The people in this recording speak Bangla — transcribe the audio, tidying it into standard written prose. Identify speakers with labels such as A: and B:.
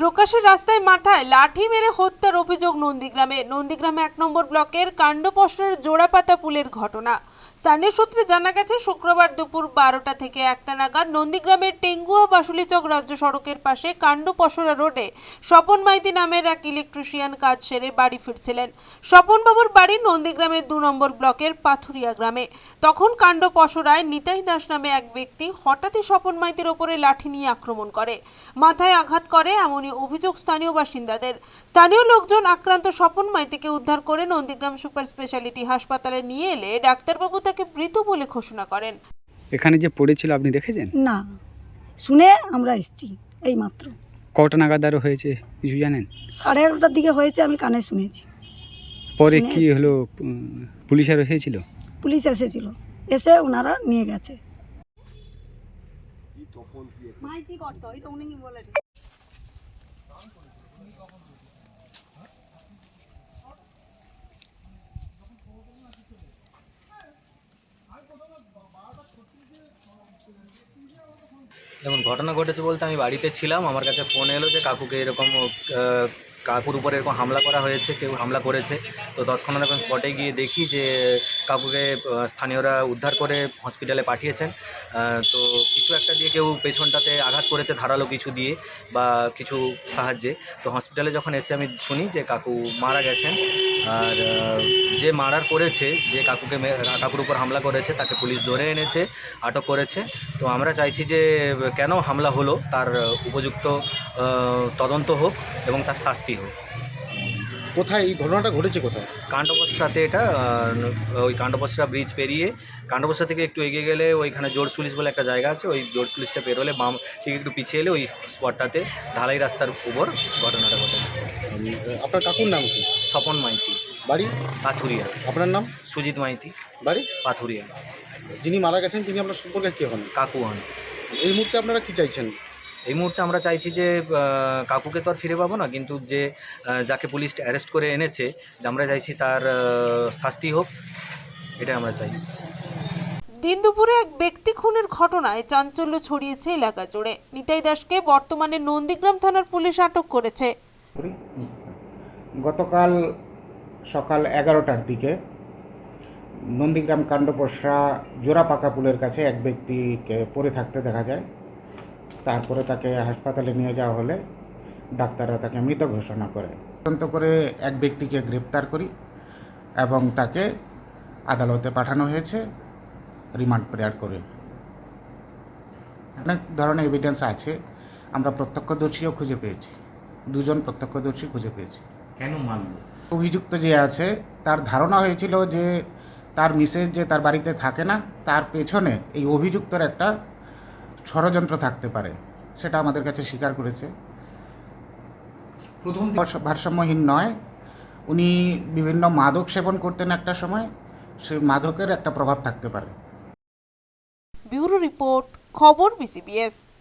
A: প্রকাশের রাস্তায় মাথায় লাঠি মেরে হত্যার অভিযোগ নন্দীগ্রামে 1 নম্বর ব্লকের কাণ্ডপসরার জোড়াপাতা পুলের ঘটনা। স্থানীয় সূত্রে জানা গেছে, শুক্রবার দুপুর 12টা থেকে 1টা নাগাদ নন্দীগ্রামের টেঙ্গুয়া বাসুলিচক রাজ্য সড়কের পাশে কাণ্ডপসরা রোডে স্বপন মাইতি নামের এক ইলেকট্রিশিয়ান কাজ সেরে বাড়ি ফিরছিলেন। স্বপনবাবুর বাড়ি নন্দীগ্রামের 2 নম্বর ব্লকের পাথুরিয়া গ্রামে। তখন কাণ্ডপসরায় নিতাই দাস নামে এক ব্যক্তি হঠাৎই স্বপন মাইতির ওপরে লাঠি নিয়ে আক্রমণ করে, মাথায় আঘাত করে, এমনই অভিযোগ স্থানীয় বাসিন্দাদের। স্থানীয় লোকজন আক্রান্ত স্বপন মাইতিকে উদ্ধার করে নন্দীগ্রাম সুপার স্পেশালিটি হাসপাতালে নিয়ে এলে ডাক্তারবাবু তাকে মৃত বলে ঘোষণা করেন।
B: এখানে যে পড়েছিল আপনি দেখেছেন?
C: না, শুনে আমরা এসেছি এই মাত্র।
B: কটা নাগাদ আরও হয়েছে কিছু জানেন?
C: 11:30টার দিকে হয়েছে, আমি কানে শুনেছি।
B: পরে
C: শুনে
B: কি
C: এসেছি।
B: হলো? পুলিশ আর এসেছিল?
C: পুলিশ এসেছিল, এসে ওনারা নিয়ে গেছে। মাইতি করতো, এই তো উনি বলে।
D: দেখুন, ঘটনা ঘটেছে বলতে আমি বাড়িতে ছিলাম, আমার কাছে ফোন এলো যে কাকুকে এরকম কাকুর উপরে এরকম হামলা করা হয়েছে, কেউ হামলা করেছে। তো তৎক্ষণাৎ এখন স্পটে গিয়ে দেখি যে কাকুকে স্থানীয়রা উদ্ধার করে হসপিটালে পাঠিয়েছেন। তো কিছু একটা দিয়ে কেউ পেছনটাতে আঘাত করেছে ধারালো কিছু দিয়ে বা কিছু সাহায্যে। তো হসপিটালে যখন এসে আমি শুনি যে কাকু মারা গেছেন। আর যে মার্ডার করেছে, যে কাকুর উপর হামলা করেছে, তাকে পুলিশ ধরে এনেছে, আটক করেছে। তো আমরা চাইছি যে কেন হামলা হলো তার উপযুক্ত তদন্ত হোক এবং তার শাস্তি হোক।
E: কোথায় এই ঘটনাটা ঘটেছে? কোথায়?
D: কাণ্ডপসরাতে এটা ওই কাণ্ডপসরা ব্রিজ পেরিয়ে কাণ্ডপসরা থেকে একটু এগিয়ে গেলে ওইখানে জোরসুলিশ বলে একটা জায়গা আছে, ওই জোরসুলিশটা পেরোলে বাম ঠিক একটু পিছিয়ে এলে ওই স্পটটাতে ঢালাই রাস্তার উপর ঘটনাটা ঘটেছে।
E: আপনার কাকুর নাম কি?
D: স্বপন মাইতি,
E: বাড়ি?
D: পাথুরিয়া।
E: আপনার নাম?
D: সুজিত মাইতি,
E: বাড়ি?
D: পাথুরিয়া।
E: যিনি মারা গেছেন তিনি আপনার সম্পর্কে কী হন?
D: কাকু হন।
E: এই মুহূর্তে আপনারা কি চাইছেন?
D: এই মুহূর্তে আমরা চাইছি যে কাকুকে তো আর ফিরে পাবো না, কিন্তু যে যাকে পুলিশ অ্যারেস্ট করে এনেছে, যে আমরা চাইছি তার শাস্তি হোক, এটা আমরা চাই।
A: দিন দুপুরে এক ব্যক্তি খুনের ঘটনায় চাঞ্চল্য ছড়িয়েছে এলাকা জুড়ে। নিতাই দাসকে বর্তমানে নন্দীগ্রাম থানার পুলিশ আটক করেছে।
F: গতকাল সকাল 11টার দিকে নন্দীগ্রাম কাণ্ডপসরা জোড়াপাকা পুলের কাছে এক ব্যক্তিকে পড়ে থাকতে দেখা যায়। তারপরে তাকে হাসপাতালে নিয়ে যাওয়া হলে ডাক্তাররা তাকে মৃত ঘোষণা করে। তদন্ত করে এক ব্যক্তিকে গ্রেপ্তার করি এবং তাকে আদালতে পাঠানো হয়েছে রিমান্ড প্রেয়ার করে। অনেক ধরনের এভিডেন্স আছে, আমরা প্রত্যক্ষদর্শীও খুঁজে পেয়েছি, 2 জন প্রত্যক্ষদর্শী খুঁজে পেয়েছি।
G: কেন মানল?
F: অভিযুক্ত যে আছে তার ধারণা হয়েছিল যে তার মিসেস যে তার বাড়িতে থাকে না, তার পেছনে এই অভিযুক্তর একটা ষড়যন্ত্র থাকতে পারে, সেটা আমাদের কাছে স্বীকার করেছে।
G: প্রথম
F: ভারসাম্যহীন নয়, উনি বিভিন্ন মাদক সেবন করতেন একটা সময়, সেই মাদকের একটা প্রভাব থাকতে পারে।
A: ব্যুরো রিপোর্ট, খবর BCBS।